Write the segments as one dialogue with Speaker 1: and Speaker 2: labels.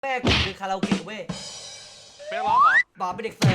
Speaker 1: แม่กูคือคาราโอเกะเว้ย
Speaker 2: ไม่ร้องเหรอ
Speaker 1: บอกเป็นเด็กเสิร์ฟ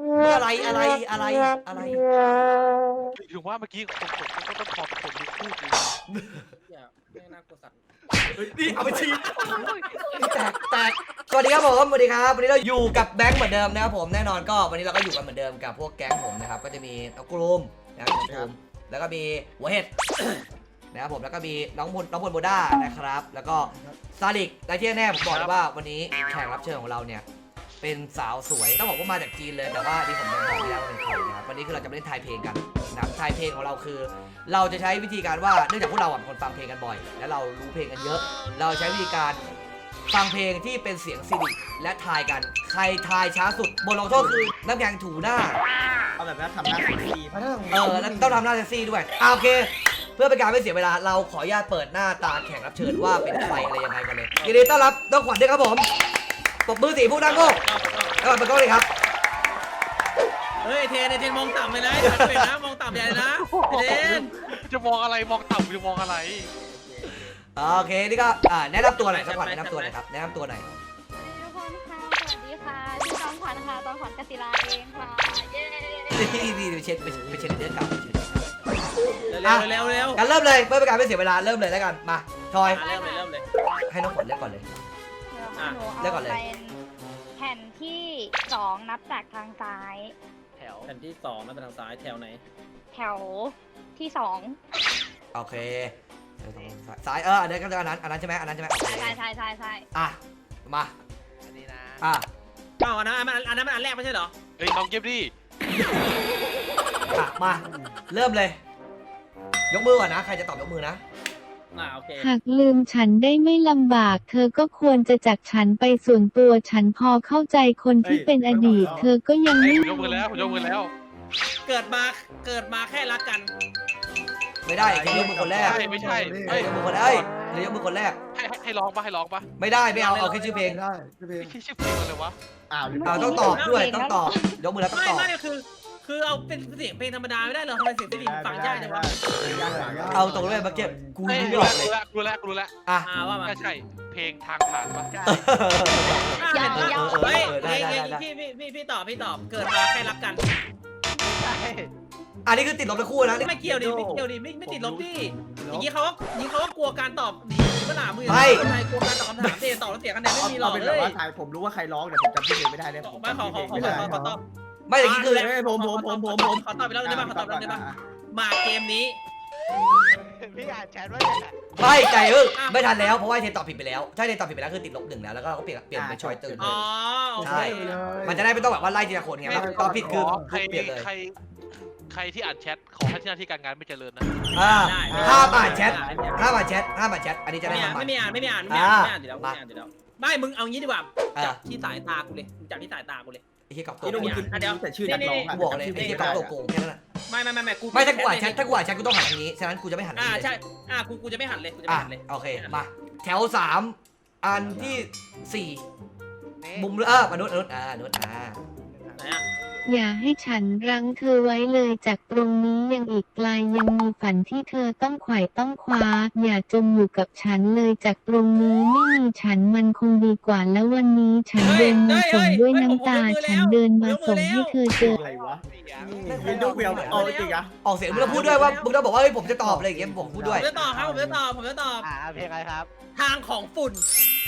Speaker 1: อะไร
Speaker 2: ถึงว่าเมื่อกี้คนก็ต้องขอบคนมีคู่จริง
Speaker 3: อย่าแม่งน่ากลัวสัตว์
Speaker 1: นี่เอาไปชี้แตกสวัสดีครับผมสวัสดีครับวันนี้เราอยู่กับแบงค์เหมือนเดิมนะครับผมแน่นอนก็วันนี้เราก็อยู่กันเหมือนเดิมกับพวกแก๊งผมนะครับก็จะมีน้องกลุ่มนะครับน้องกลุ่มแล้วก็มีหัวเห็ดนะครับผมแล้วก็มีน้องพลโบด้านะครับแล้วก็ซาลิกและที่แน่ผมบอกเลยว่าวันนี้แขกรับเชิญของเราเนี่ยเป็นสาวสวยต้องบอกว่ามาจากจีนเลยแต่ว่าที่ผมยังบอกไม่ได้ว่าเป็นใครนะครับวันนี้คือเราจะมาเล่นทายเพลงกันนะครับทายเพลงของเราคือ เราจะใช้วิธีการว่าเนื่องจากพวกเราเป็นคนฟังเพลงกันบ่อยและเรารู้เพลงกันเยอะ เราใช้วิธีการฟังเพลงที่เป็นเสียงซิริและทายกันใครทายช้าสุดบทลงโทษคือน้ำแข็งถูหน้า
Speaker 3: เอาแบบนั้นทำหน้าเซ็กซี่
Speaker 1: แล้วต้องทำหน้าเซ็กซี่ด้วยโอเคเพื่อเป็นการไม่เสียเวลาเราขออนุญาตเปิดหน้าตาแขกรับเชิญว่าเป็นใครอะไรยังไงกันเลยยินดีต้อนรับน้องขวัญด้วยครับผมปรบมือสีผู้นั่งโง่แล้วก็เป็นก้องเลยครับ
Speaker 3: เฮ้ยเทนมองต่ำเลยนะเห็นนะมองต่ำใหญ่นะเทน
Speaker 2: จะมองอะไรมองต่ำจะมองอะไร
Speaker 1: โอเคนี่ก็แนะนำตัวหน่อยสักวันแนะนำตัวหน่อยครับแนะนำตัวหน่อย
Speaker 4: ทุกคนค่ะสวัสดีค่ะชื่อจอมขวัญค่ะจอมขวัญกศิลาเองค่ะเย้
Speaker 1: นี่ไปเช็ดเรื่องเก่า
Speaker 3: เร็ว
Speaker 1: กันเริ่มเลยเพื่อเป็นการไม่เสียเวลาเริ่มเลยแล้วกันมาทอย
Speaker 3: เริ่มเลย
Speaker 1: ให้น้องขวัญเลือกก่อนเลย
Speaker 4: หนูเอาเป็นแผ่นที่2นับจากทางซ้าย
Speaker 3: แถวแผ่นที่2นับไปทางซ้ายแถวไหน
Speaker 4: แถวที่2
Speaker 1: โอเคซ้ายอันนี้ก็อันนั้นใช่ไหมใ
Speaker 4: ช่
Speaker 1: อ่ะมา
Speaker 3: อันนี้นะอันนั้นมันอันแรกไม่ใช่เหรอ
Speaker 2: เฮ้ยน้องเก็บดิ
Speaker 1: มาเริ่มเลยยกมือก่อนนะใครจะตอบยกมือนะ
Speaker 3: โอเค
Speaker 5: หากลืมฉันได้ไม่ลำบากเธอก็ควรจะจากฉันไปส่วนตัวฉันพอเข้าใจคนที่เป็นอดีตเธอก็ยังไม่
Speaker 2: ยกมือแล้ว
Speaker 3: เกิดมาแค่รักกัน
Speaker 1: ไม่ได้จะยกมือคนแรก
Speaker 2: ไม่ใช่
Speaker 1: ยกมือคนแรกยกมือคนแรก
Speaker 2: ให้ร้องปะ
Speaker 1: ไม่ได้ไม่เอาแค่ชื่อเพลง
Speaker 2: ได้ชื่อเพลงอะไรวะ
Speaker 1: ต้องตอบด้วยต้องตอบยกมือแล้วต้องตอบ
Speaker 3: ไม่คือเอาเป็นเสียงเพลงธรรมดาไม่ได้เหรอทำไมเสียงเพลงฟังยากจังวะ
Speaker 1: เอาตรงเลยเมื่อกี้กูไม่
Speaker 2: รู้
Speaker 1: เลย
Speaker 2: รู้แล้ว
Speaker 3: ว่ามา
Speaker 2: ก็ใช่เพลงทางผ่านปะ
Speaker 3: พี่ตอบเกิดมาแค่รักกัน
Speaker 1: อันนี้คือติดลบทั้งคู่นะ
Speaker 3: ไม่เกี่ยวดิไม่ติดลบดิอย่างนี้เขาก็กลัวการตอบดีก็หนามือกลัวการตอบคำถามเทตอบแล้วเสียคะแนนไม่มีหรอกเลย
Speaker 6: ผมรู้ว่าใครร้องแต่ผมจำชื่อเพลงไม่ได้เลย
Speaker 3: ผมขอตอบ
Speaker 1: ไม่อย่างนี้คือ
Speaker 6: ผม
Speaker 3: ขอตอบไปแล้วได้ป่ะมาเกมนี้
Speaker 6: พี่อ่านแชทว่า
Speaker 1: ไม่ใจไม่ทันแล้วเพราะว่าเทนตอบผิดไปแล้วถ้าเทนตอบผิดไปแล้วคือติดลบ1แล้วก็เราก็เปลี่ยนเป็นชอยตื่นเลยใช่มันจะได้ไม่ต้องแบบว่าไล่ทีละคนไงตอบผิดคือเปลี่ยนเลย
Speaker 2: ใครที่อ่านแชทขอให้ที่หน้าที่การงานไม่เจริญนะ
Speaker 1: ห้ามอ่านแชทอันนี้จะได้
Speaker 3: ไม่อ่านเดี๋ยวไม่มึงเอางี้ดีกว่าจับที่สายตากูเลยจับที่สายตากูเลย
Speaker 1: ไอ้ที่กับตัว
Speaker 6: เดี๋ยวแต่ชื่อนักร้อง
Speaker 1: กูบอกเลยไอ้ที่กับตัวโกงแค่นั้นแหละ
Speaker 3: ไม่กู
Speaker 1: ถ้ากูอ่านแชทกูต้องหันทางนี้ฉะนั้นกูจะไม่หัน
Speaker 3: ใช่กูจะไม่หันเลย
Speaker 1: โอเคมาแถว3อันที่4มุมมนุษย์
Speaker 5: อย่าให้ฉันรั้งเธอไว้เลยจากตรงนี้ยังอีกไกลยังมีฝันที่เธอต้องไขว่ต้องคว้าอย่าจมอยู่กับฉันเลยจากตรงนี้ไม่มีฉันมันคงดีกว่าแล้ววันนี้ฉันเดินมาส่งด้วยน้ำตาฉันเดินมาส่งให้เธอเจอ
Speaker 6: อะไรวะวินโดว์เวลเอาจริงอะ
Speaker 1: ออกเสียงมึงต้องพูดด้วยว่ามึงต้องบอกว่าเฮ้ยผมจะตอบอะไรอย่างเงี้ยผมพูดด้วย
Speaker 3: ผมจะตอบเพลงอะไรครับทางของฝุ่น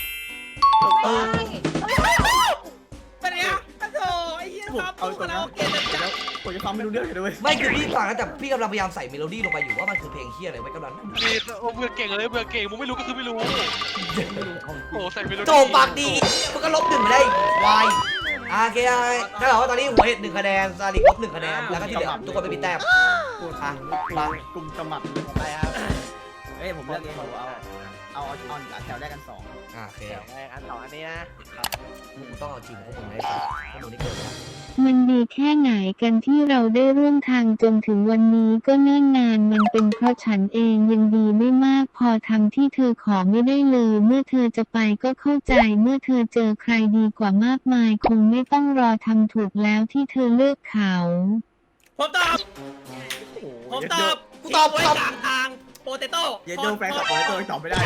Speaker 3: เป็นไงโอ้ยไอ้เหี้ยครับเอาตัวแล้ว
Speaker 6: ผมจะฟังไม่รู้เรื่องเลย
Speaker 1: ไม่คือพี่ฟังนะแต่พี่กำลังพยายามใส่เมโลดี้ลงไปอยู่ว่ามันคือเพลงเฮียอะไรไว้กำลัง
Speaker 2: เบื่อเก่งเลยเบื่อเก่งมึงไม่รู้ก็คือไม่รู้โอ้ใส่เมโลดี้
Speaker 1: โจปากดีมันก็ลบ1ไปได้วายโอเคถ้าเราว่าตอนนี้หัวเห็ด1คะแนนซาลิกลบ1คะแนนแล้วก็ที่เหลือทุกคนไม่มีแต้ม
Speaker 6: มากลุ่มสมัครไปครับผมเลือกเองเอาแถวแรกกัน2
Speaker 1: โอเค
Speaker 6: แถวแรกอัน2อันนี้นะ
Speaker 1: มึงต้องเอาจริงพวกมึงได้สิพวกมึงนี่เกินแล้ว
Speaker 5: มันดีแค่ไหนกันที่เราได้ร่วมทางจนถึงวันนี้ก็เนิ่นนานมันเป็นเพราะฉันเองยังดีไม่มากพอทำที่เธอขอไม่ได้เลยเมื่อเธอจะไปก็เข้าใจเมื่อเธอเจอใครดีกว่ามากมายคงไม่ต้องรอทำถูกแล้วที่เธอเลือกเขา
Speaker 3: ผมตอบ
Speaker 1: กูตอบ
Speaker 3: กลางทางโปเตโต้
Speaker 6: เยนโดแฟนกับโปเตโต้ตอบไม่ได้
Speaker 3: พ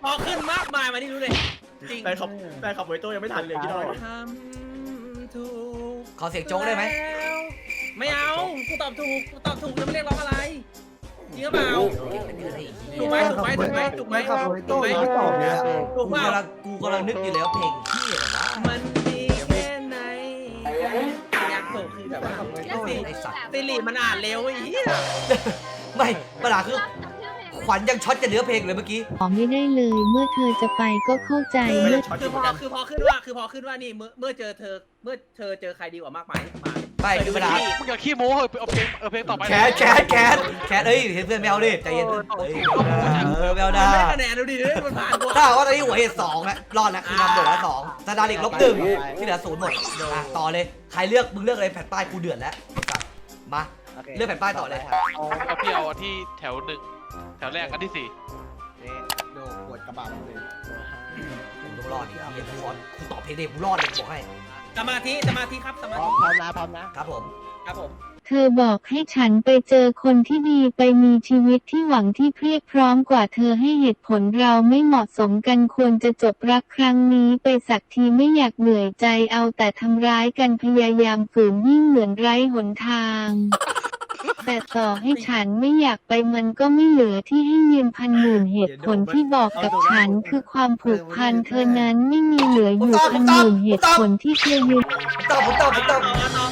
Speaker 3: พอขึ้นมากมายมานี่รู้เลยจริง
Speaker 6: แฟนขับโบยโต้ยังไม่ทันเลยพี่น้อย
Speaker 3: ทำถูก
Speaker 1: ขอเสียงโจ๊กได้ไหม
Speaker 3: แล้วไม่เอากูตอบถูกแล้วไม่เรียกร้องอะไรจริงหรือเปล่าถูกไหมถูกไหมถูกไหม
Speaker 7: ขับโบยโต้ยังไม่ตอบเลยอะ
Speaker 3: ถูกเปล่า
Speaker 1: กูกำลังนึกอยู่แล้วเพลงที่อะไรวะ
Speaker 3: มันดีแค่ไหนอยากถูกคือแบบว่า
Speaker 1: ไอ้สัตว์
Speaker 3: สิริมันอ่านเร็วไอ้เหี้ย
Speaker 1: ไม่ปัญหาคือขวัญยังช็อตจะเนื้อเพลงเลยเมื่อกี้
Speaker 5: ขอไม่ได้เลยเมื่อเธอจะไปก็เข้าใจ
Speaker 6: ไม่
Speaker 5: เมื่
Speaker 6: ได้
Speaker 5: อ
Speaker 6: ช็อต
Speaker 3: คือพอขึ้นว่านี่เมื่อเจอเจอใครดีกว่ามากมายมา
Speaker 1: ไม่คือปัญหา
Speaker 2: มึงอย่าขี้โม้เหอะเอาเพลงต่อไป
Speaker 1: แคทเอ้ยเห็นเพื่อนไม่เอาดิใจเย็นเอ้ยไม่เอา
Speaker 3: มั
Speaker 1: ได้
Speaker 3: นได้คะแนนดูดิมันผ่านกู
Speaker 1: ถ้าว่าตอนนี้หัวเหตุ2แล้วรอดแล้วคือนำโด่แล้ว2สตาร์ลิก-1ที่เหลือ0หมดต่อเลยใครเลือกมึงเลือกอะไรแผ่นป้ายกูเดือดแล้วมาเลือกแผ่นป้ายต่อเลย
Speaker 2: เอาพี่เอาที่แถว1แถวแรกอันที่4
Speaker 6: โดนปวดกระบะเลย
Speaker 1: กูต้องรอดดิเฮียกูตอบเพลงเด็กกูรอดเลยกูบอกให้
Speaker 3: สมาธิครับสมาธิ
Speaker 7: พร้อมนะครับ
Speaker 1: ผม
Speaker 3: ครับผม
Speaker 5: เธอบอกให้ฉันไปเจอคนที่ดีไปมีชีวิตที่หวังที่เพรียบพร้อมกว่าเธอให้เหตุผลเราไม่เหมาะสมกันควรจะจบรักครั้งนี้ไปสักทีไม่อยากเหนื่อยใจเอาแต่ทำร้ายกันพยายามฝืนยิ่งเหมือนไร้หนทาง แต่ต่อให้ฉันไม่อยากไปมันก็ไม่เหลือที่ให้ยืนพันหมื่นเหตุผลที่บอกกับฉันคือความผูกพันเธอนั้นไม่มีเหลืออยู่พันหมื่นเหตุผลที่เธอยืน
Speaker 1: ตอบ
Speaker 3: ตอบ
Speaker 1: แป๊บ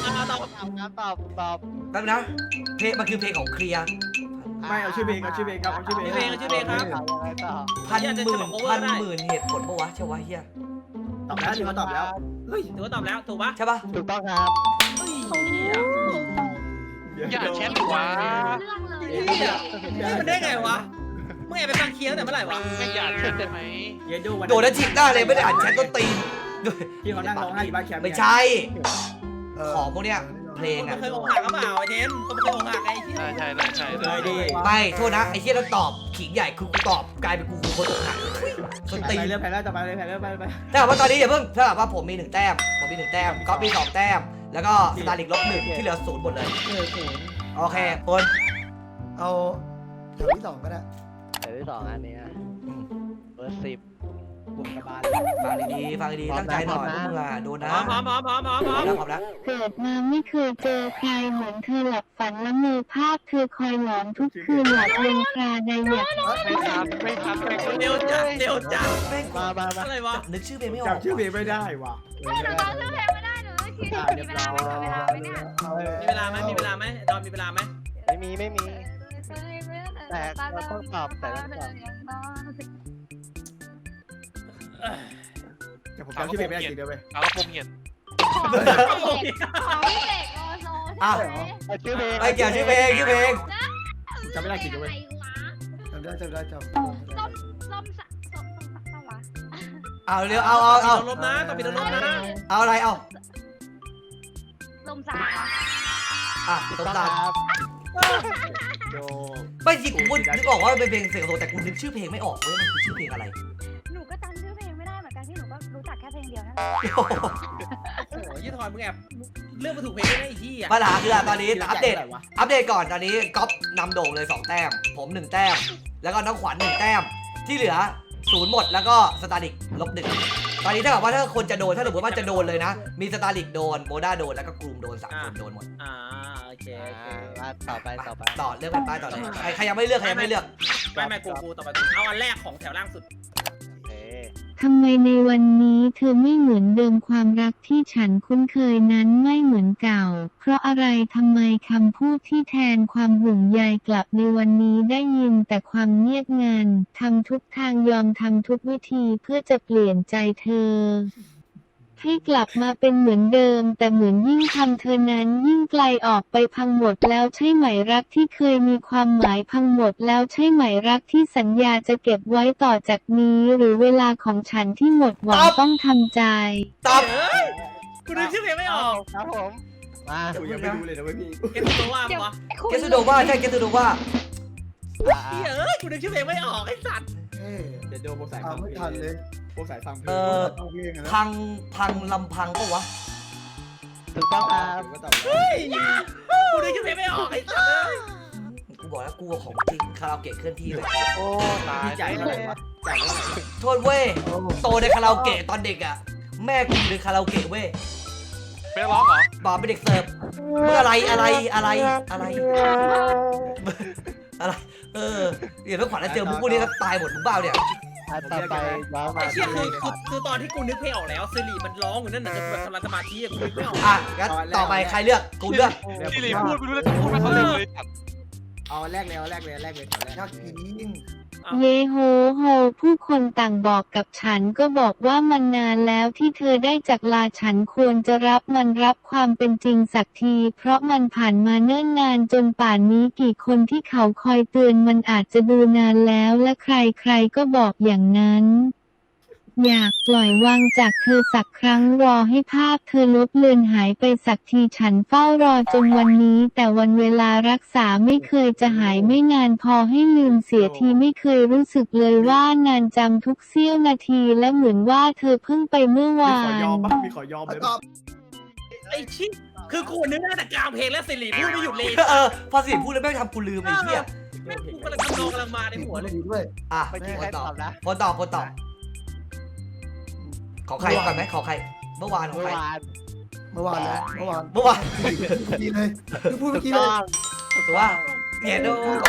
Speaker 1: นะเพลงมันคือเพลงของเคลียร์
Speaker 6: ไม่เอาชื่อเพลงครับ
Speaker 3: ชื่อเพลงครับ
Speaker 1: พันหมื่นเหตุผลปะวะใช่วะเฮีย
Speaker 6: ตอบแล้วถือว่าตอบแล้วเฮ้ย
Speaker 3: ถือว่าตอบแล้วถูกปะ
Speaker 1: ใช่ปะ
Speaker 7: ถูกต้องครับ
Speaker 2: อย่าแชทดิวะ
Speaker 3: นี่มันได้ไงวะมึงแอบไปฟังเคียร์ตั้งแต่เมื่อไหร่วะ
Speaker 2: ไม่อย่าแชทได้ไหม
Speaker 6: เยโดวัน
Speaker 1: โดนแล้วฉีกหน้าเลยไม่ได้อ่านแชทต้นตีน
Speaker 6: ที่เขานั่งร้องไห้อยู่บ้านแคมป์
Speaker 1: ไม่ใช่ ของพวกเนี้ยเพลง
Speaker 3: มัน
Speaker 1: อ่ะ
Speaker 3: เคยอกหักหรือเปล่าไอ้เทนมันเคยอกหักไอ้เหี้ย
Speaker 2: ใช่
Speaker 6: เลยดิ
Speaker 1: ไม่โทษนะไอ้เฮียต้องตอบขิงใหญ่คือกูตอบกลายเป็นกูคนอกหักต้น
Speaker 6: ไป
Speaker 1: ตีน
Speaker 6: เรื่องแพ้แล้วต่อไปเลยแพ้แล้วไป
Speaker 1: ถ้าว่าตอนนี้อย่าเพิ่งถ้าว่าผมมี1แต้มผมมี1แต้มก๊อฟมี2แต้มแล้วก็สตาร์ลิก-1ที่เหลือ0หมดเลยโอเคคน
Speaker 7: เอาแถวที่2ก็ได้
Speaker 8: แถวที่2อันนี้นะเบอร์10
Speaker 6: บวกกระบาล
Speaker 1: ฟังดีๆตั้งใจหน่อยพวกมึงอ่ะโดนนะ
Speaker 3: พร้อม
Speaker 1: แล้วพร้อมแล้ว
Speaker 5: เกิดมาไม่เคยเจอใครเหมือนเธอหลับฝันละเมอภาพเธอคอยหลอนทุกคืนหลับลงคราใดอยาก
Speaker 2: ไม่ทัน
Speaker 3: เร็วจัด
Speaker 1: แม่ง
Speaker 7: มา
Speaker 3: อะไรวะ
Speaker 1: นึกชื่อเพลงไม่ออก
Speaker 6: จำชื่อเพลงไม่ได้ว่ะ
Speaker 4: ไม่หนูจำชื่อเพลงไม่ได้หนูคิดมีเวลาไหมเนี่ย
Speaker 3: มีเวลาไหมดอนมีเวลาไหม
Speaker 8: ไม่มีแต่เราต้องตอบแต่ต้องตอบ
Speaker 6: แต่ผมจำชื่อเพลงไม่ได้จริงเดียวไป
Speaker 2: เอากระโปรงเหียน
Speaker 4: ของพี่เสกโลโซ
Speaker 1: อ้าว
Speaker 8: เอาชื่อเพลง
Speaker 1: ไอ้เกี่ยวชื่อเพลง
Speaker 6: จำไม่ได้จริงเดียวไป
Speaker 7: จำได้
Speaker 4: ส้มวะ
Speaker 1: เอาเร็วเอา
Speaker 3: ลบนะต้องมีลบนะ
Speaker 1: เอาอะไรเอา
Speaker 4: ลมสา
Speaker 1: อ่ะตรงตาม
Speaker 6: โด
Speaker 1: ไม่จริงกูนึกออกว่ามันเป็นเพลงเสียงโตแต่กูนึกชื่อเพลงไม่ออกเว้ยมันคือชื่อเพลงอะไร
Speaker 4: หนูก็จำชื่อเพลงไม่ได้เหมือนกันที่หนูก็รู้จักแค่เพลงเดียวนั่น
Speaker 3: โอ้โหยี่ทอยมึงแอบเลือกมาถูกเพลงได้ไอ้ที่อ่ะ
Speaker 1: ปัญหาคือตอนนี้อัปเดตก่อนตอนนี้ก๊อฟนำโด่งเลย2แต้มผม1แต้มแล้วก็น้องขวัญ1แต้มที่เหลือ0หมดแล้วก็สตาร์ลิก-1ตอนนี้ถ้าแบบว่าถ้าคนจะโดนถ้าสมมติว่าจะโดนเลยนะมีสตาร์ลิกโดนโมด้าโดนแล้วก็กลุ่มโดน3คนโดนหมด
Speaker 3: โอเค
Speaker 8: มาต่อไป
Speaker 1: ต่อเลือกเป็นป้ายต่อเลยใครยังไม่เลือก
Speaker 3: ไม่กูต่อไปเอาอันแรกของแถวล่างสุด
Speaker 8: โอเค
Speaker 5: ทำไมในวันนี้เธอไม่เหมือนเดิมความรักที่ฉันคุ้นเคยนั้นไม่เหมือนเก่า เพราะอะไรทำไมคำพูดที่แทนความห่วงใยกลับในวันนี้ได้ยินแต่ความเงียบงันทำทุกทางยอมทำทุกวิธีเพื่อจะเปลี่ยนใจเธอ ให้กลับมาเป็นเหมือนเดิมแต่เหมือนยิ่งทำเธอนั้นยิ่งไกลออกไปพังหมดแล้วใช่ไหมรักที่เคยมีความหมายพังหมดแล้วใช่ไหมรักที่สัญญาจะเก็บไว้ต่อจากนี้หรือเวลาของฉันที่หมดหวังต้องทำใจ
Speaker 1: ตอบ
Speaker 3: กูนึกชื่อเพลงไม่ออก
Speaker 8: ครับผมมา
Speaker 6: กูยังไม่รู้เลยนะเว้ยพี่
Speaker 3: เก็บตัวว่าปะ
Speaker 1: เกสโดว่าใช่เกสโดว่า
Speaker 3: กูนึกชื่อเพลงไม่ออกไอ้สัตว์
Speaker 7: เฮ้ย
Speaker 6: เดี๋ยวโดนพวกสาย
Speaker 7: ตา
Speaker 6: ฟั
Speaker 7: ม
Speaker 6: ง
Speaker 7: ไม่ทันเลย
Speaker 6: พวกสายฟังเพลง
Speaker 7: เอาเพลงอะนะ
Speaker 1: พังลำพังปะวะ
Speaker 8: ถูกต้องครับ
Speaker 6: ก็ตอบ
Speaker 3: เฮ้ยกูนึกชื่อเพลงไม่ออกไอ้สัตว์
Speaker 1: กูบอกแล้วกูของจริงคาราโอเกะเคลื่อนที่เลย
Speaker 2: โอ้ตาย
Speaker 6: พี่ใจอะไรวะ
Speaker 1: โทษเว้ยโตในคาราโอเกะตอนเด็กอ่ะแม่กูอยู่ในคาราโอเกะเว้ย
Speaker 2: เป็นร้องเหรอ
Speaker 1: บอกเป็นเด็กเสิร์ฟเมื่ออะไรเดี๋ยวต้องขวัญแล้วเจอพวกนี้ก็ตายหมดมึงเปล่าเนี่ย
Speaker 7: ต่อไปว้าว
Speaker 3: ไอ้เชี่ยคือตอนที่กูนึกเพลงออกแล้วสิริมันร้องอยู่นั่นน่ะจะแบบกำลังสมาธิกูนึกไม่ออก
Speaker 1: อ่ะงั้นต่อไปใครเลือกกูเลือก
Speaker 2: ที่หลีพูดไม่รู้แล้วพูดไม่เขาเลย
Speaker 6: เอาแรกเลยแถวแรก
Speaker 7: ยากจริง
Speaker 5: เยโฮโฮผู้คนต่างบอกกับฉันก็บอกว่ามันนานแล้วที่เธอได้จากลาฉันควรจะรับมันรับความเป็นจริงสักที เพราะมันผ่านมาเนิ่นนานจนป่านนี้กี่คนที่เขาคอยเตือนมันอาจจะดูนานแล้วและใครๆก็บอกอย่างนั้น อยากปล่อยวางจากเธอสักครั้งรอให้ภาพเธอลบเลือนหายไปสักทีฉันเฝ้ารอจนวันนี้แต่วันเวลารักษาไม่เคยจะหายไม่นานพอให้ลืมเสียทีไม่เคยรู้สึกเลยว่านานจำทุกเสี้ยวนาทีและเหมือนว่าเธอเพิ่งไปเมื่อ
Speaker 6: มี
Speaker 5: วา
Speaker 6: ขอยอม
Speaker 5: น
Speaker 6: ปะมีขอยอมเลย
Speaker 7: ก็
Speaker 3: ไอ้ชิคือกูนึกได้แต่กลางเพลงแล้วสิริพูดไม่หยุดเลย
Speaker 1: พอสิพูดแล้วแม่งทำกูลืมไอ้เหี้ย
Speaker 3: แม่งกูกำลังทำนองกำลังมาในหัวเลย
Speaker 7: ดีด้วย
Speaker 1: อ่ะ
Speaker 7: ไม่ใช่
Speaker 1: ค
Speaker 7: ใคร
Speaker 1: นต
Speaker 7: ต
Speaker 1: อ
Speaker 7: อ
Speaker 1: บบ
Speaker 7: นะ
Speaker 1: คนตอบของใครก่อนไหมของใครเมื่อวานของใคร
Speaker 7: เมื่อวานแล้วเมื่อวาน
Speaker 1: เมื่อวาน
Speaker 7: ดีเลยคือพูดเมื่อกี้เลย
Speaker 1: ถูกว่าเห็นดู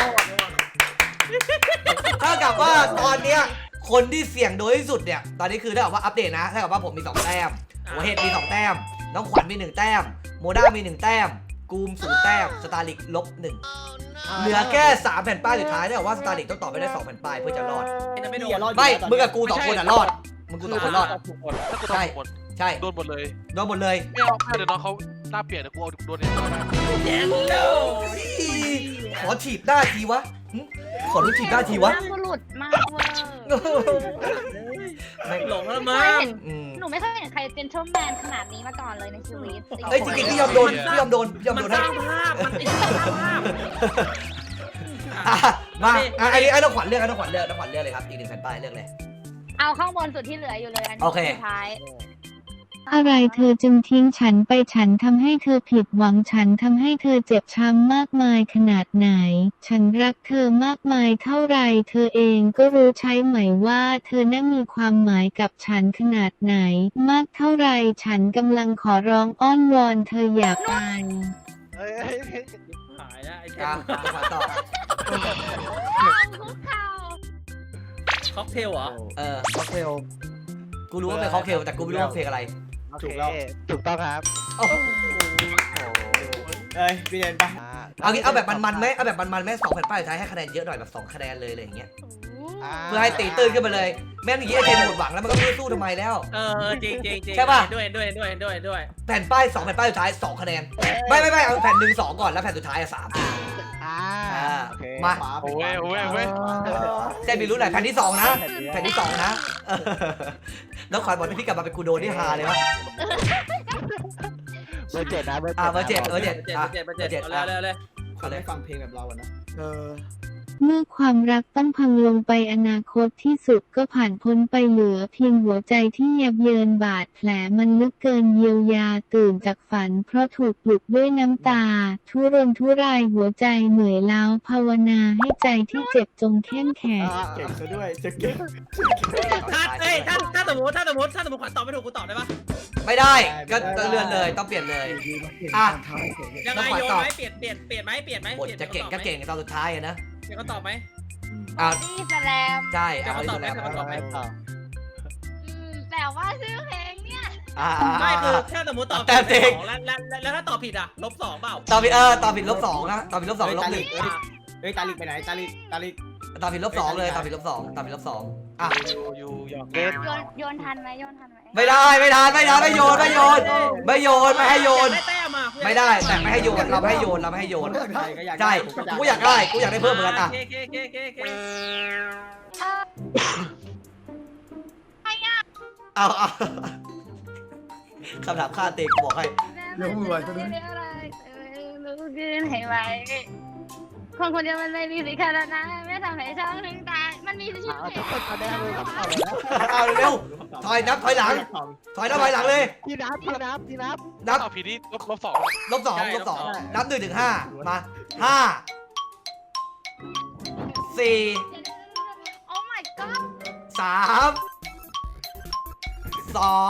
Speaker 1: เท่ากับว่าตอนเนี้ยคนที่เสี่ยงโดยที่สุดเนี่ยตอนนี้คือถ้ากับว่าอัปเดตนะถ้ากับว่าผมมี2แต้มหัวเห็ดมี2แต้มน้องขวัญมี1แต้มโมด้ามี1แต้มกูม0แต้มสตาร์ลิกลบ1เหลือแค่3แผ่นป้ายสุดท้ายถ้ากับว่าสตาร์ลิกต้องตอบไปได้2แผ่นป้ายเพื่อจะรอด
Speaker 3: ไม่โดน
Speaker 1: ไม่มึงกับกู2คนอ่ะรอดมึงกู2คนรอด
Speaker 2: ถ้ากูตอบหมด
Speaker 1: ใช่
Speaker 2: โดนหมดเลย
Speaker 1: โดนหมดเลย
Speaker 2: ไม่เอาเดี๋ยวน้องเขาหน้าเปลี่ยนเดี๋ยวกูเอาโดนเนี่ยต่อไป
Speaker 3: แย่โล
Speaker 1: ขอถีบหน้าทีวะหึขอรู้ถีบหน้าทีวะ
Speaker 4: น่าบุรุษมากเวอร์
Speaker 1: ไม่
Speaker 3: หลงแล้ว
Speaker 4: ไม่
Speaker 3: มั้
Speaker 4: เคย
Speaker 3: ง
Speaker 4: เห็น
Speaker 1: อืม
Speaker 4: หนูไม่เคยเห็นใครเป็นเจ้าแมนขนาดนี้มาก่อนเลยในชีวิต
Speaker 1: เอ้ยจริงๆพี่ยอมโดนพี่ยอมโดนพี่ยอม
Speaker 3: มั
Speaker 1: โด
Speaker 3: น
Speaker 1: น
Speaker 3: ส
Speaker 1: ให้
Speaker 3: ร้างภาพมันสร้างภาพ
Speaker 1: อ่ะมาอันนี้น้องขวัญเลือกน้องขวัญเลือกเลยครับอีก1แผ่นป้ายเลือกเลย
Speaker 4: เอาข้างบนสุดที่เหลืออยู่เลยอัน
Speaker 1: โอ
Speaker 4: นี้
Speaker 1: เค
Speaker 4: สุดท้าย
Speaker 5: อะไรเธอจึงทิ้งฉันไปฉันทำให้เธอผิดหวังฉันทำให้เธอเจ็บช้ำมากมายขนาดไหน ฉันรักเธอมากมายเท่าไรเธอเองก็รู้ใช่ไหมว่าเธอน่ามีความหมายกับฉันขนาดไหน มากเท่าไรฉันกำลังขอร้องอ้อนวอนเธออย่าไป
Speaker 3: หายแล้วไอ้เท
Speaker 1: อ่ะ
Speaker 3: ม
Speaker 1: น้องขวัญต่อ
Speaker 4: คุกเข่า
Speaker 3: ค็อกเทลเหรอ
Speaker 1: ค็อกเทลกูรู้ว่าเป็นค็อกเทลแต่กูไม่รู้ว่าเพลงอะไร
Speaker 6: ถูกแล้ว
Speaker 7: ถูกต้องครับ
Speaker 1: โอ้โห
Speaker 6: เอ้ยพี่เดนไป
Speaker 1: เอาแบบมันๆไหมเอาแบบมันๆไหม2แผ่นป้ายสุดท้ายให้คะแนนเยอะหน่อยแบบ2คะแนนเลยอะไรอย่างเงี้ยเพื่อให้ตีตื้นขึ้นมาเลยแม่งอย่างงี้ไอ้เทนหมดหวังแล้วมันก็ไม่รู้สู้ทำไมแล้ว
Speaker 3: จริง
Speaker 1: ใช่ป่ะ
Speaker 3: ด้วย
Speaker 1: แผ่นป้าย2แผ่นป้ายสุดท้าย2คะแนนไม่เอาแผ่น1 2ก่อนแล้วแผ่นสุดท้าย3
Speaker 7: โอเค
Speaker 1: มา
Speaker 2: โอ้ยโอ้ยโอ้ย
Speaker 1: เจนมีรู้ไหนแผ่นที่2นะแผ่นที่2นะน้องขวัญบอกให้พี่กลับมาเป็นกูโดนี่ฮาเลยวะ
Speaker 7: เบอร์ 7นะเบอร์ 7
Speaker 1: เบอร์ 7
Speaker 3: เจ็ดเอาเลย
Speaker 6: คนได้ฟังเพลงแบบเราอะนะ
Speaker 5: เมื่อความรักต้องพังลงไปอนาคตที่สุดก็ผ่านพ้นไปเหลือเพียงหัวใจที่ยับเยินบาดแผลมันลึกเกินเยียวยาตื่นจากฝันเพราะถูกปลุกด้วยน้ำตา ทุรนทุรายหัวใจเหนื่อยล้าภาวนาให้ใจที่เจ็บจงเข้มแข็ง
Speaker 6: เก่งซะด้วยจะเก่ง
Speaker 3: ถ้าสมมติขวัญตอบไม่ถูกกูตอบได้ปะ
Speaker 1: ไม่ได้ก็เลื่อนเลยต้องเปลี่ยนเลย
Speaker 3: ยังไงโยนไหมเปลี่ยนไหม
Speaker 1: บทจะเก่งก็เก่งตอนสุดท้ายนะ
Speaker 3: เดี๋ยวเขาตอบไหม
Speaker 1: อ่ะ
Speaker 4: นี่แสลม
Speaker 1: ใช่เอาที่สุดแล้ว
Speaker 4: แต่ว่าชื่อเพลงเนี่ย
Speaker 3: ไม่คือถ้าสมมติตอบแล้วถ้าตอบผิดอ่ะลบ2เปล่า
Speaker 1: ตอบผิดตอบผิด-2นะตอบผิด-2ลบ
Speaker 6: เฮ้ยตาลิกไปไหนตาลิก
Speaker 1: 1ตอบผิด-2เลยตอบผิด-2ตอบผิด-2อ่ะ
Speaker 2: อยู่หยอก
Speaker 4: โยนทันไหม
Speaker 1: ไม่ได้ไม่โยนไม่ให้โยน
Speaker 3: ได้แต้มอ่ะ
Speaker 1: ไม่ได้แต่ไม่ให้โยนเราไม่ให้โยนใช่กูอยากได้เพิ่มเหมือนกันอ่ะ เอาคำถามฆ่าเตะกูบอกให้
Speaker 4: เรื่องอะไรรู้ขึ้นให้ไวคนคนเดียวมันไม่มีสิทธิ์ขนาดนั้นไม่ทำให้ช่องถึงตายมันมีชื่อเพลง
Speaker 1: เอาเร็วถอยหลังเลย
Speaker 7: พี่นับ
Speaker 1: นับ
Speaker 2: ตอบผิดนี่ลบ2
Speaker 1: -2 นับ1 ถึง 5มา5 4
Speaker 4: โอ้ my god
Speaker 1: 3
Speaker 3: สอง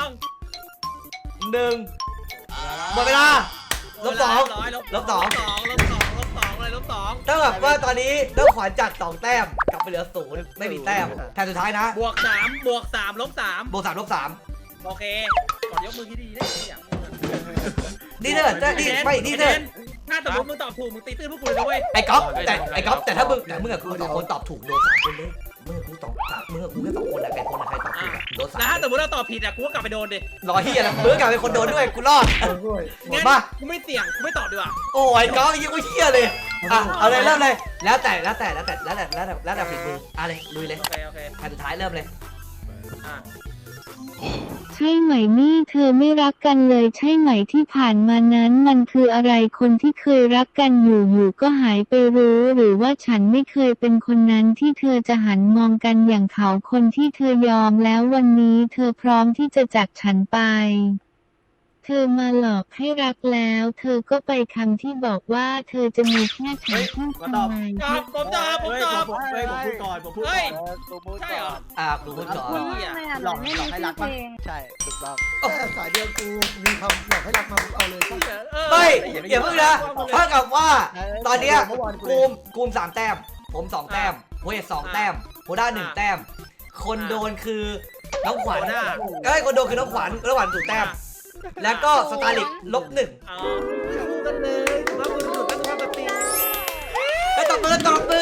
Speaker 1: 2 1หมดเวลาลบ2 ลบ2
Speaker 3: ลบสองอะไรลบสอง
Speaker 1: เท่ากับว่าตอนนี้ต้องขวัญจาก2แต้มกลับไปเหลือ0ไม่มีแต้มแผ่นสุดท้ายนะ
Speaker 3: บวกสามลบสาม
Speaker 1: บวก3ลบ3
Speaker 3: โอเคก่อนยกมือที่ดีได้อย่าง
Speaker 1: นี่เถอะนี่ไม่นี่เถอะ
Speaker 3: ถ้าสมมติมึงตอบถูกมึงตีตื้นพวกกูเลยนะเว้ย
Speaker 1: ไอ้ก๊อฟแต่ถ้ามึงกับกู2คนตอบถูกโดน3คนเลยมึงกับกูตอบมึงกับกูแค่2คนแหละใครคนใครตอบถูกโดน
Speaker 3: แล้วถ้าสม
Speaker 1: 3
Speaker 3: มติเราตอบผิดอ่ะกูก็กลับไปโดนดิ
Speaker 1: รอเฮียแล้วมึงกลับเป็นคนโดนด้วยกูรอดหมด
Speaker 3: งั้น
Speaker 1: ป่ะ
Speaker 3: กูไม่เสี่ยงกูไม่ตอบดีกว่า
Speaker 1: โอ้ยก๊อฟยิ่งกูเฮียเลยอ่ะเอาเลยเริ่มเลยแล้วแต่ฝีมืออะไรลุยเลย
Speaker 3: โอเค
Speaker 1: แผ่นสุดท้ายเริ่มเลย
Speaker 3: อ่ะ
Speaker 5: ใช่ไหมนี่เธอไม่รักกันเลยใช่ไหมที่ผ่านมานั้นมันคืออะไรคนที่เคยรักกันอยู่ก็หายไปรู้หรือว่าฉันไม่เคยเป็นคนนั้นที่เธอจะหันมองกันอย่างเขาคนที่เธอยอมแล้ววันนี้เธอพร้อมที่จะจากฉันไปเธอมาหลอกให้รักแล้วเธอก็ไปคำที่บอกว่าเธอจะมีแค่ฉันเพื่อทำไม
Speaker 3: ผมตอบ
Speaker 6: ผมพูดก่อน
Speaker 3: เฮ้ย
Speaker 7: ตัวมูด
Speaker 3: ใช่เหรอ
Speaker 1: กูพูดก่อน
Speaker 4: ไม่อ่ะหลอกไม่มีชื่อเพลง
Speaker 7: ใช่ถูกต้อง
Speaker 8: สายเดียวกูมีคำอยากให้รักมาเอาเลย
Speaker 1: ไม่อย่าเพิ่งนะเท่ากับว่าตอนเนี้ยกูม3แต้มผม2แต้มโพเอส2แต้มโพด้า1แต้มคนโดนคือน้องขวัญคนโดนคือน้องขวัญถูกแต้มแล้วก็สตาร์ลิกลบ1
Speaker 3: อ๋อคู่กันเลยแล้วมึงหลุดกันความปกติ
Speaker 1: ไอ้ตบมือ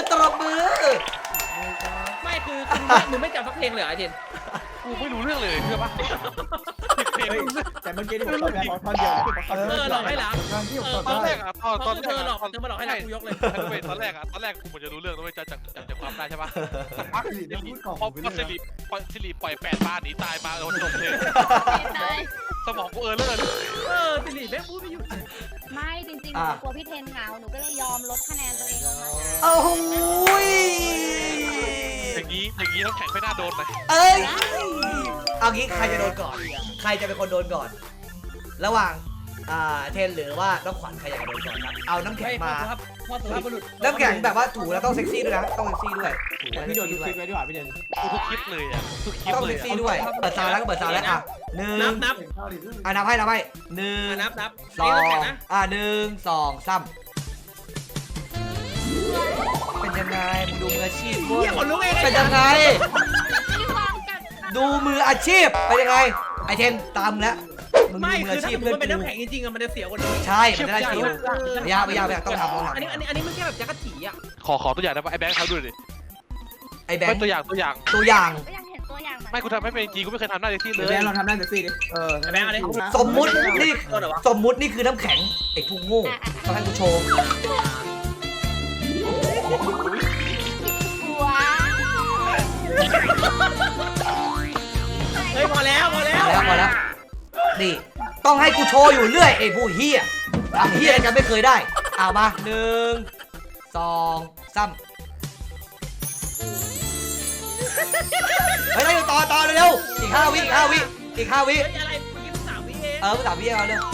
Speaker 3: ไม่คือมึงไม่จำสักเพลงเลยเหรอไอ้เทน
Speaker 2: กูไม่รู้เรื่องเลยเชื่อปะเพลง
Speaker 6: แต่เมื่อกี้ที่ผมตอบแค่ท่อนเดียว
Speaker 3: หลอกให้รัก
Speaker 8: งานที่ผมตอบ
Speaker 2: ตอนแร
Speaker 8: ได้
Speaker 2: กอะตอน
Speaker 3: เธอหลอกมาให้รักกูยกเลย
Speaker 2: ตอนแรกกูเหมือนจะรู้เรื่องด้วยจากความได้ใช่ปะสักพัก
Speaker 8: สิริได้พูดก่อน
Speaker 2: พอสิริปล่อย8 บาทหนีตายมาจบเลยสมองกูเลอร์
Speaker 3: สิริแม่งพูดไม่หยุด
Speaker 4: ไม่จริงๆหนูกลัวพี่เทนเหงาหนูก็เลยยอมลดคะแนนตัวเองลงมา
Speaker 1: โอ้โห
Speaker 2: อย่างนี้น้ำแข็งไม่น่าโดนเลย
Speaker 1: เอ้ยเอางี้ใครจะโดนก่อนใครจะเป็นคนโดนก่อน ระหว่างเทนหรือว่าน้องขวัญใครอยากจะโดนก่อนครับเอาน้ำแข็งมา
Speaker 3: พ่อสุภาพบุรุษ
Speaker 1: น้ำแข็งแบบว่าถูแล้วต้องเซ็กซี่ด้วยนะต้องเซ็กซี่ด้วยถูแล้ว
Speaker 6: พี่โด
Speaker 1: เซ็
Speaker 6: น
Speaker 1: ก
Speaker 6: คลิ
Speaker 1: ซี่
Speaker 6: ป
Speaker 1: ด้วย
Speaker 6: ไว้ดีกว่าพี่เดน
Speaker 2: กูทุกคลิปเลยอ่ะทุกคลิป
Speaker 1: ต้อง
Speaker 2: เล
Speaker 1: เซ็
Speaker 2: ย
Speaker 1: กซี่ด้วยเปิดซาวแล้วก็เปิดซาวแล้วอ่ะหนึ่ง
Speaker 3: นับ
Speaker 1: นับให้1
Speaker 3: 2
Speaker 1: 23เป็นยังไงมึงดูมืออาชีพ
Speaker 3: เฮียคนลุกเอง
Speaker 1: เป็นยังไงดูมืออาชีพเป็นยังไงไอเทนตามแล้วมึง
Speaker 3: ไม่
Speaker 1: ดูมือ
Speaker 3: คือ
Speaker 1: อา
Speaker 3: ถ้า
Speaker 1: ชีพ
Speaker 3: มั
Speaker 1: เพื่อน
Speaker 3: นเป็น
Speaker 1: กู
Speaker 3: น้ำแข็งจริงๆมันจะเสียกว่านี้
Speaker 1: ใช่มันจะได้ฟิลพยายามต้องทำ
Speaker 3: อันนี้มันแค่แบบจักรจีอ่ะ
Speaker 2: ขอตัวอย่างได้ปะไอ้แบงค์เขาดูดิ
Speaker 1: ไอแบงค์
Speaker 2: ตัวอย่าง
Speaker 1: ตัวอย่าง
Speaker 4: ก็ยังเห็นตัวอย่าง
Speaker 2: ไม่กูทำไม่เป็นจริงกูไม่เคยทำหน้าเซ็กซี่เล
Speaker 6: เดี๋ย
Speaker 2: ยว
Speaker 6: เราทำได้เซ็กซี่ดิ
Speaker 3: แบงค์อะไร
Speaker 1: สมมุตินี่
Speaker 3: ตัวเหรอวะ
Speaker 1: สมมุตินี่คือน้ำแข็งไอ้ผู้โง่ต้องให้กูโชว์
Speaker 4: ว้าว
Speaker 3: เฮ้ยพอแล้ว
Speaker 1: มาแล้วนี่ต้องให้กูโชว์อยู่เรื่อยไอ้ผู้เฮียทำเฮียกันไม่เคยได้เอามา1 2 3เฮ้ยต่อเร็วอีก5 วิอีก5 วิ
Speaker 3: เฮ้ยอะไรเมื่อกี้3 วิเอง
Speaker 1: ภาษาพี่เอาเร็ว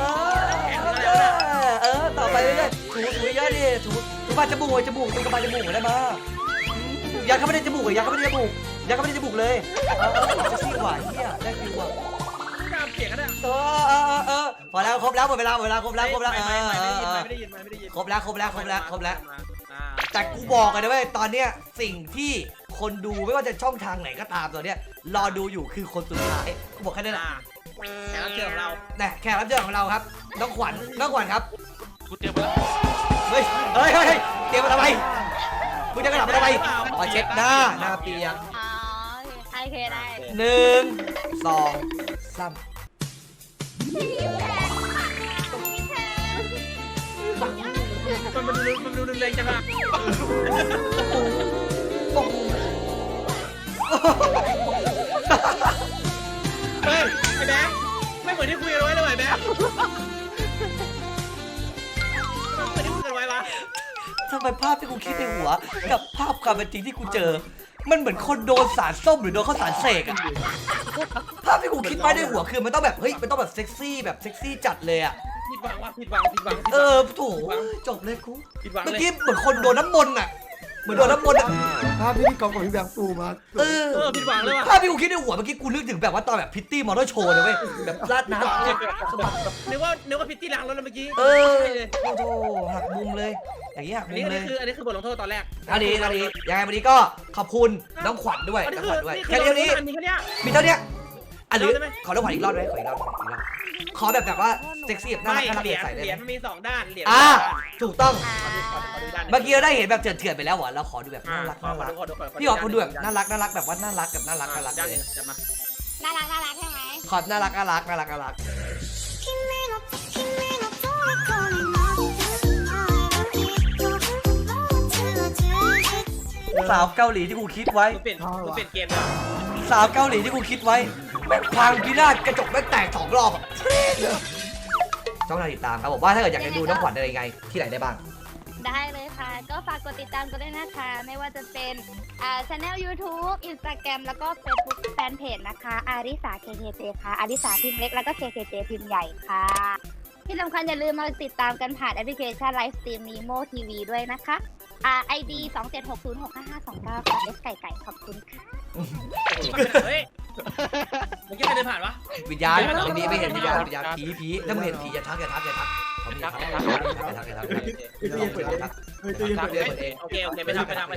Speaker 1: ต่อไปเรื่อยๆถูเยอะดิถูปลายจมูกถูกระบายจมูกได้มายัดเข้าไปในจมูกยัดเข้าไปในจมูกเลยจะซี่กว่าเฮียได้ฟิวอ่ะ
Speaker 3: ตามเสียงกันอ่ะ
Speaker 1: พอแล้วครบแล้วหมดเวลาครบแล้ว
Speaker 3: ไม่ได้ยิน
Speaker 1: ครบแล้วแต่กูบอกกันนะเว้ยตอนเนี้ยสิ่งที่คนดูไม่ว่าจะช่องทางไหนก็ตามตอนเนี้ยรอดูอยู่คือคนสุดท้ายกูบอกแค่นั้นแหละ
Speaker 3: แขกรับเชิญของเรา
Speaker 1: เนี่ยแขกรับเชิญของเราครับน้องขวัญครับ
Speaker 2: กูเตรียมมาแล้ว
Speaker 1: เฮ้ยเตรียมมาทำไมคุณจะกระดับมาทำไมอ๋อเช็ดหน้าเปียก
Speaker 4: อ๋อโอเคได้
Speaker 1: 1 2 3
Speaker 3: มันดูแรงจังอ่ะเฮ้ยไอ้แบงค์ไม่เหมือนที่คุยกันไว้เลยไอ้แบงค์เหมือนที่คุยกันไว้ปะ
Speaker 1: ทำไมภาพที่กูคิดในหัวกับภาพความเป็นจริงที่กูเจอ มันเหมือนคนโดนสารส้มหรือโดนข้าวสารเสกอะภาพที่กูคิดไว้ในหัวคือมันต้องแบบเฮ้ยมันต้องแบบเซ็กซี่จัดเลยอะ
Speaker 3: ผิดหวัง
Speaker 1: โถจบเลยกู
Speaker 3: ผิดหวัง
Speaker 1: เมื่อ
Speaker 3: เลย
Speaker 1: กี้เหมือนคนโดนน้ำมนต์อะเหมือนโดนน้ำมนต์อะ
Speaker 8: ภาพที่พี่กอล์ฟกับพี่แบงค์ปูมา
Speaker 1: เออ
Speaker 3: ผิดหวังเลยว่ะ
Speaker 1: ภาพที่กูคิดในหัวเมื่อกี้กูนึกถึงแบบว่าตอนแบบพิตตี้มอเตอร์โชว์เลยเว้ยแบบลาดน้ำสะบัดแบบ
Speaker 3: นึกว่าพิตตี้ล้างรถแล้วเมื่อกี้
Speaker 1: เออโอ้โหหักมุมเลยอย่างเงี้ยหัก
Speaker 3: อัน
Speaker 1: มุ
Speaker 3: นี้
Speaker 1: มเลย
Speaker 3: คือบทลงโทษตอนแรก
Speaker 1: อันนี้ยังไงวันนี้ก็ขอบคุณน้องขวัญด้วย
Speaker 3: อันนี้
Speaker 1: น้อง
Speaker 3: คื
Speaker 1: ขวัญด้วย
Speaker 3: อนี่
Speaker 1: แค่
Speaker 3: คือ
Speaker 1: นี้
Speaker 3: มีแค่เนี้ย
Speaker 1: มีเท่านี้อ่ะหรือ
Speaker 3: ได้ไหม
Speaker 1: ขอน้องขวัญอีกรอบได้ไหมขออีกรอบขอแบบว่าเซ็กซี่แบบน่า
Speaker 3: ไม่
Speaker 1: รัก
Speaker 3: เหรียญ
Speaker 1: ใส่ได้
Speaker 3: เหรียญ
Speaker 1: ไหม
Speaker 3: มันมี2 ด้านเหรียญ
Speaker 1: อ่าถูกต้อง
Speaker 3: ขอดูด้าน
Speaker 1: เมื่อกี้เราได้เห็นแบบเถื่อนๆไปแล้วเหรอเราขอดูแบบน่ารัก
Speaker 3: ขอดู
Speaker 1: พี่ขอคุณดูแบบน่ารักแบบว่าน่ารัก
Speaker 3: ด้าน
Speaker 1: เล
Speaker 3: นึ
Speaker 1: ย
Speaker 3: งจัดมา
Speaker 4: น่ารักใช่ไหม
Speaker 1: ขอบน่ารักสาวเกาหลีที่กูคิดไว้
Speaker 3: เปลี่ยนเกมเลย
Speaker 1: สาวเกาหลีที่กูคิดไว้แม่งพังพินาศกระจกแม่งแตก2 รอบอะช่องทางติดตามครับผมว่าถ้าเกิดอยากจะดูน้องขวัญอะไรยังไงที่ไหนได้บ้าง
Speaker 4: ได้เลยค่ะ ก็ฝากกดติดตามกันด้วยนะคะ ไม่ว่าจะเป็นchannel YouTube Instagram แล้วก็ Facebook Fanpage นะคะอาริสา KKJ ค่ะอาริสาพิมพ์เล็กแล้วก็ KKJ พิมพ์ใหญ่ค่ะ ที่สำคัญอย่าลืมมาติดตามกันผ่านแอปพลิเคชัน Live Stream Nemo TV ด้วยนะคะID 2760655529ค่ะเลสไก่ขอบคุณค่ะ
Speaker 3: เฮ้ยเมื่อกี้ใครเดินผ่านวะ
Speaker 1: วิญญาณไม่มีไม่เห็นวิญญาณผีถ้ามึงเห็นผีอย่าทักเขาไม่ทัก
Speaker 8: พี่ตู้ยังเปิดเองพี่ตู้ยังเปิดเอง
Speaker 1: เอง
Speaker 3: โอเคไม่ทำ
Speaker 1: ไม่เห็น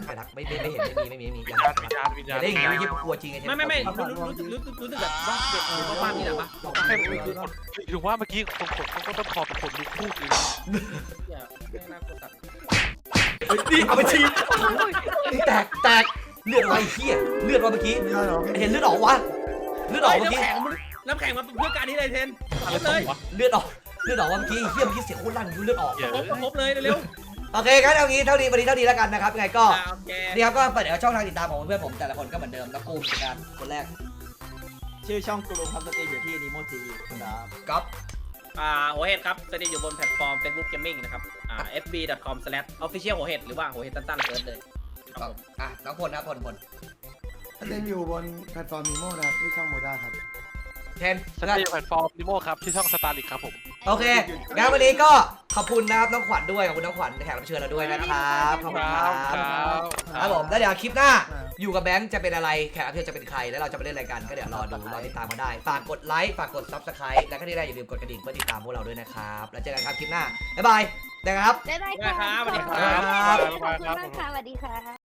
Speaker 1: อย่าได้อย่างนี้กลัวจริงไง
Speaker 3: ไม่รู้สึกแบบว่าเด็กหรือว่าบ้านนี่แหละปะ
Speaker 2: ให้มันคือคนถึงว่าเมื่อกี้คนเขาก็ต้องคอเป็นคนลุกพูดเลยนะ
Speaker 3: ไม่น่ากดตัด
Speaker 1: นี่เอาไปชี้นี่แตกเลือดอะไรเหี้ยเลือดมาเมื่อกี้
Speaker 8: ไม่ได้หรอ
Speaker 1: เห็นเลือดออกวะเลือดออกเมื่อกี้
Speaker 3: น้ำแข็งมาเพื่อการนี้เลยเทน
Speaker 2: อะไร
Speaker 3: เลย
Speaker 2: วะ
Speaker 1: เลือดออกเมื่อกี้เหี้ยเมื่อกี้เสียงโคตรลั่นเลือดออก
Speaker 3: ครบเลยเร็ว
Speaker 1: โอเคงั้นเอางี้เท่านี้วันนี้เท่านี้แล้วกันนะครับยังไงก็
Speaker 3: โอเค
Speaker 1: นี่ครับก็เปิดเดี๋ยวช่องทางติดตามของเพื่อนผมแต่ละคนก็เหมือนเดิมแล้วกูเป็นการคนแรก
Speaker 6: ชื่อช่องกลุ่มครับสตรีมอยู่ที่ Nemo TV ครับ
Speaker 1: ก๊อฟ
Speaker 3: หัวเห็ดครับสตรีมอยู่บนแพลตฟอร์ม Facebook Gaming นะครับfb.com/official หัวเห็ดหรือว่าหัวเห็ดตั้นๆเซิร์ชเลย
Speaker 1: ก๊อฟน้องพลนะพล
Speaker 8: เล่นอยู่บนแพลตฟอร์มมีโมนะครับที่ช่องโมด้าครับ
Speaker 1: เทน
Speaker 2: สตรีมแพลตฟอร์มนิโมครับที่ช่องสตาร์ลิกครับผม
Speaker 1: โอเคงั้นวันนี้ก็ขอบคุณนะครับน้องขวัญด้วยขอบคุณน้องขวัญแขกรับเชิญเราด้วยนะครับขอบคุณครับครับผมแล้วเดี๋ยวคลิปหน้าอยู่กับแบงค์จะเป็นอะไรแขกรับเชิญจะเป็นใครแล้วเราจะไปเล่นอะไรกันก็เดี๋ยวรอดูรอติดตามมาได้ฝากกดไลค์ฝากกด Subscribe แล้วก็ที่ได้อย่าลืมกดกระดิ่งเพื่อติดตามพวกเราด้วยนะครับแล้วเจอกันครับคลิปหน้าบ๊ายบายนะครับ
Speaker 4: ได้ค่ะ
Speaker 3: สวัสดีค
Speaker 4: ขอบคุณ
Speaker 3: รับ
Speaker 4: มากค่ะสวัสดีค่ะ